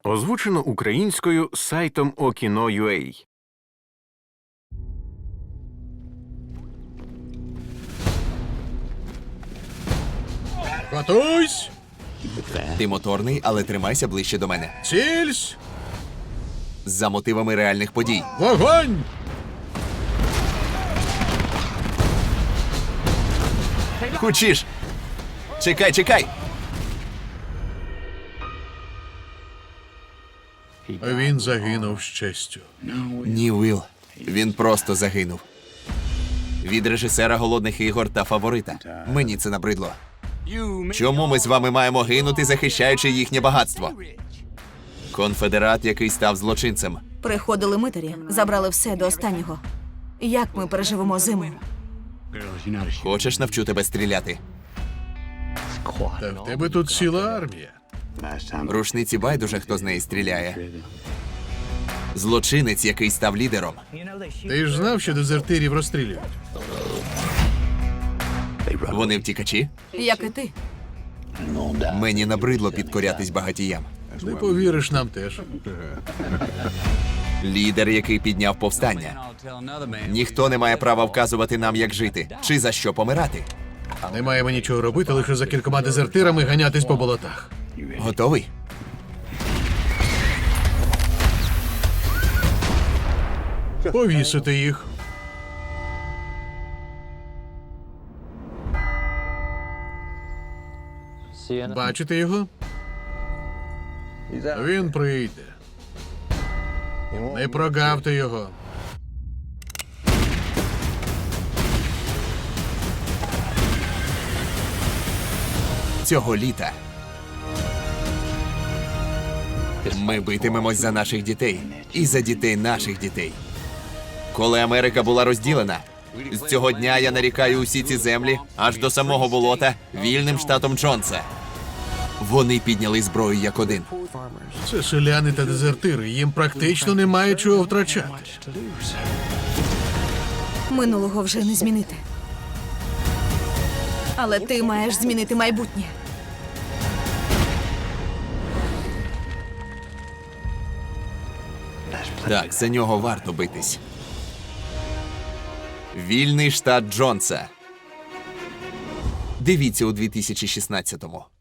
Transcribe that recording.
Озвучено українською сайтом Okino.ua. Готуйсь! Ти моторний, але тримайся ближче до мене. Цільсь! За мотивами реальних подій. Вогонь! Хочеш? Чекай! Він загинув з честю. Ні, Уилл. Він просто загинув. Від режисера «Голодних ігор» та «Фаворита». Мені це набридло. Чому ми з вами маємо гинути, захищаючи їхнє багатство? Конфедерат, який став злочинцем. Приходили митарі, забрали все до останнього. Як ми переживемо зиму? Хочеш, навчу тебе стріляти? Та в тебе тут ціла армія. Рушниці байдуже, хто з неї стріляє. Злочинець, який став лідером. Ти ж знав, що дезертирів розстрілюють? Вони втікачі? Як і ти. Мені набридло підкорятись багатіям. Не повіриш нам теж. Лідер, який підняв повстання. Ніхто не має права вказувати нам, як жити, чи за що помирати. Не маємо нічого робити, лише за кількома дезертирами ганятись по болотах. Готовий? Повісити їх. Бачите його? Він прийде. Не прогавте його. Цього літа ми битимемось за наших дітей і за дітей наших дітей. Коли Америка була розділена, з цього дня я нарікаю усі ці землі аж до самого болота вільним штатом Джонса. Вони підняли зброю як один. Це селяни та дезертири. Їм практично немає чого втрачати. Минулого вже не змінити. Але ти маєш змінити майбутнє. Так, за нього варто битись. Вільний штат Джонса. Дивіться у 2016-му.